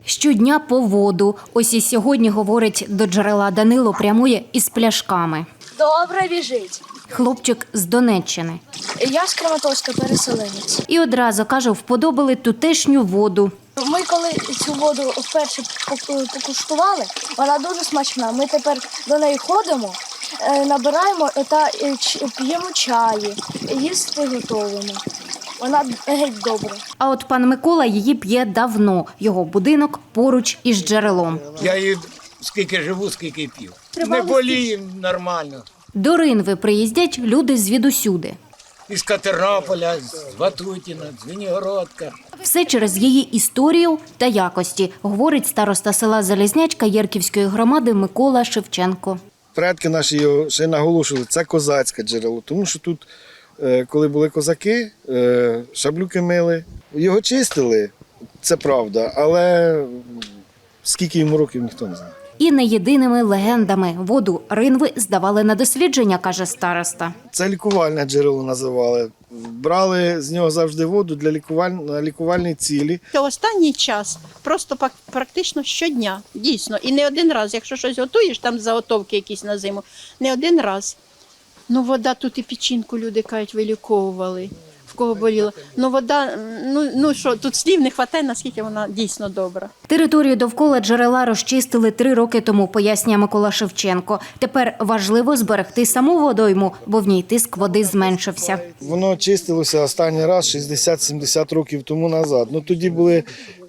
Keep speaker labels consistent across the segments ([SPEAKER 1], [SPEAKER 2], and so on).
[SPEAKER 1] Щодня по воду. Ось і сьогодні, говорить, до джерела Данило прямує із пляшками.
[SPEAKER 2] Добре біжить.
[SPEAKER 1] Хлопчик з Донеччини.
[SPEAKER 2] Я з Краматорська, переселенець.
[SPEAKER 1] І одразу, каже, вподобали тутешню воду.
[SPEAKER 2] Ми коли цю воду вперше покуштували, вона дуже смачна. Ми тепер до неї ходимо, набираємо та п'ємо чаї, їсти готуємо. Вона геть добра.
[SPEAKER 1] А от пан Микола її п'є давно. Його будинок поруч із джерелом.
[SPEAKER 3] Я її скільки живу, скільки п'ю. Не болію нормально.
[SPEAKER 1] До Ринви приїздять люди звідусюди.
[SPEAKER 3] Із Катернополя, з Ватутіна, з Вінігородка.
[SPEAKER 1] Все через її історію та якості, говорить староста села Залізнячка Єрківської громади Микола Шевченко.
[SPEAKER 4] Предки наші його ще наголошували, це козацьке джерело, тому що тут, коли були козаки, шаблюки мили, його чистили, це правда, але скільки йому років, ніхто не знає.
[SPEAKER 1] І не єдиними легендами воду Ринви здавали на дослідження, каже староста.
[SPEAKER 4] Це лікувальне джерело називали. Брали з нього завжди воду для лікувальні цілі.
[SPEAKER 5] Останній час просто практично щодня, дійсно. І не один раз, якщо щось готуєш, там заготовки якісь на зиму, не один раз. Ну, вода тут і печінку, люди кажуть, виліковували, в кого боліло. Ну, вода, ну що, тут слів не вистачає, наскільки вона дійсно добра.
[SPEAKER 1] Територію довкола джерела розчистили 3 роки тому, пояснює Микола Шевченко. Тепер важливо зберегти саму водойму, бо в ній тиск води зменшився.
[SPEAKER 4] Воно чистилося останній раз 60-70 років тому назад. Ну, тоді були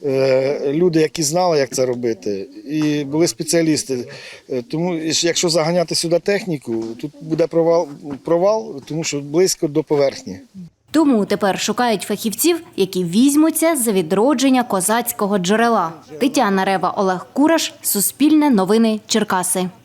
[SPEAKER 4] люди, які знали, як це робити, і були спеціалісти. Тому, якщо заганяти сюди техніку, тут буде провал, тому що близько до поверхні.
[SPEAKER 1] Тому тепер шукають фахівців, які візьмуться за відродження козацького джерела. Тетяна Рева, Олег Кураш, Суспільне новини, Черкаси.